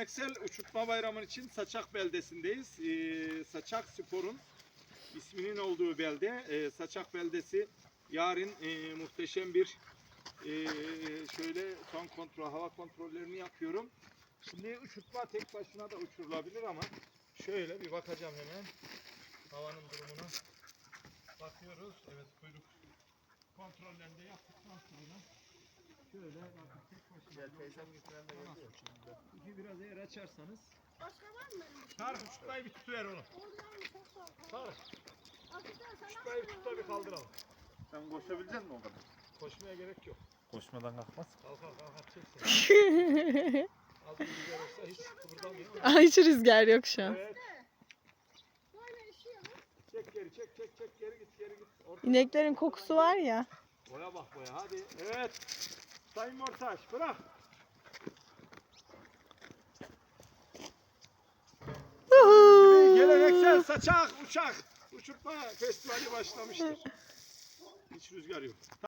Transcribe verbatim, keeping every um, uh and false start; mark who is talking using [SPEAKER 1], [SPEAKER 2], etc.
[SPEAKER 1] geleneksel uçurtma bayramı için Saçak beldesindeyiz. Ee, Saçak Spor'un isminin olduğu belde. Ee, Saçak beldesi yarın e, muhteşem bir e, şöyle son kontrol, hava kontrollerini yapıyorum. Şimdi uçurtma tek başına da uçurulabilir ama şöyle bir bakacağım hemen havanın durumuna. Bakıyoruz. Evet, kuyruk kontrollerini de yaptıktan sonra şöyle bakın tek başına.
[SPEAKER 2] Gel teyzem getiren de geliyor.
[SPEAKER 1] İki biraz eğer açarsanız.
[SPEAKER 3] Başka var mı benim?
[SPEAKER 1] Tarık uçurtmayı bir tutuver onu.
[SPEAKER 3] Oradan mı çok soğuk?
[SPEAKER 1] Tarık
[SPEAKER 3] Hakikaten sen
[SPEAKER 1] uçurtmayı bir tut da bir kaldıralım.
[SPEAKER 2] Sen koşabilecek misin o kadar?
[SPEAKER 1] Koşmaya gerek yok.
[SPEAKER 2] Koşmadan kalkmaz.
[SPEAKER 1] Kalkar kalkar çeksin. Az bir rüzgar olsa hiç kıpırdamıyor.
[SPEAKER 4] Ay, hiç rüzgar yok şu an.
[SPEAKER 1] Evet.
[SPEAKER 3] böyle işiyor mu?
[SPEAKER 1] Çek geri çek çek çek geri git geri git. Ortadan-
[SPEAKER 4] İneklerin kokusu var ya.
[SPEAKER 1] Boya bak boya hadi. Evet. Sayın Mortaş bırak. Gibi geleneksel saçak uçak uçurtma festivali başlamıştır. Hiç rüzgar yok.